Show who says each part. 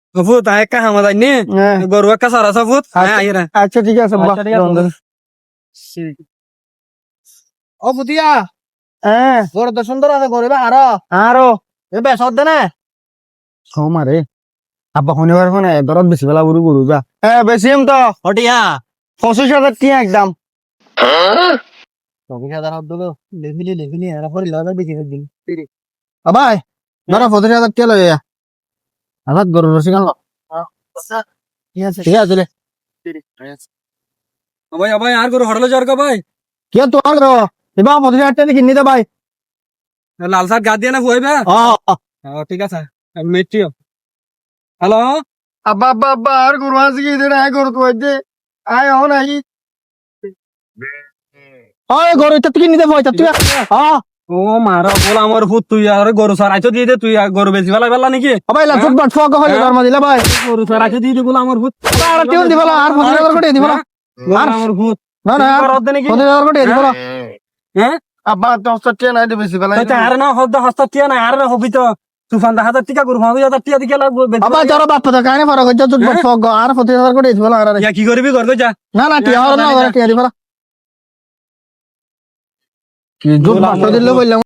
Speaker 1: foot একটা হামা যাই নি গরু একটা সারা ফুট আইরা
Speaker 2: আচ্ছা ঠিক আছে
Speaker 3: ও বুতিয়া
Speaker 2: হ্যাঁ
Speaker 3: গরু তো সুন্দর আছে গরু আরো
Speaker 2: আরো
Speaker 3: এবে সদ দে না
Speaker 2: সৌমারে আব্বা শনিবার মানে দরদ বেশি বেলা বুড়ি গরু যা হ্যাঁ বেশি তো
Speaker 3: হটিয়া
Speaker 2: 25,000 টিয়া একদম
Speaker 3: 24,000 হদ দিলো লেভিলি এরা পরে লবে বেশি দিন
Speaker 2: আবাই ধরো 25,000 টিয়া লইয়া আবার গরু রসি গাল
Speaker 3: ঠিক আছে
Speaker 2: ঠিক আছে
Speaker 1: ভাই ভাই আর গরু হড়ালো যার ভাই
Speaker 2: কি তো আর এবার 25,000 টিয়া কিনি দে ভাই
Speaker 1: লাল শার্ট গা দিয়ে না ফুয়াইবা ঠিক আছে মেট্রিও হ্যালো
Speaker 2: আব্বা আব্বা আব্বা আর গরু আছে কি দেড় আয় গরু তো দে আয় হন আই ওই গরু তো কিনি দে ভাই তুই হ্যাঁ
Speaker 1: ও মারা বল আমার ফুট তুই আর গরু সার আইছো দিয়ে দে তুই গরু বেশি বেলা বেলা নাকি
Speaker 2: ভাই লা ফুট বাট ফক হইলো দরমা দিলা ভাই
Speaker 1: গরু সার আইছো দিয়ে দে বল আমার ফুট
Speaker 2: আর টিউন দিবলা আর 25,000 কোটি দিবলা
Speaker 1: আর আমার ফুট
Speaker 2: না না
Speaker 1: আর হদ নাকি
Speaker 2: 25,000 কোটি দিবলা
Speaker 1: হ্যাঁ
Speaker 2: আব্বা 10 টিয়া নাই দে বেশি বেলা
Speaker 1: তো আর না হদ হস্তা টিয়া না আর না হবি তো তুফান 10,000 টিকা গরু 5,000 টিয়া দিকে লাগবে
Speaker 2: আব্বা তোর বাপ তো কানে ফারাক হচ্ছে তুই বাট ফক আর 25,000 কোটি দিবলা আর
Speaker 1: ইয়া কি করবি করবে যা
Speaker 2: না না টিয়া আর না টিয়া দিবলা কি জোর বাট দিলে বললাম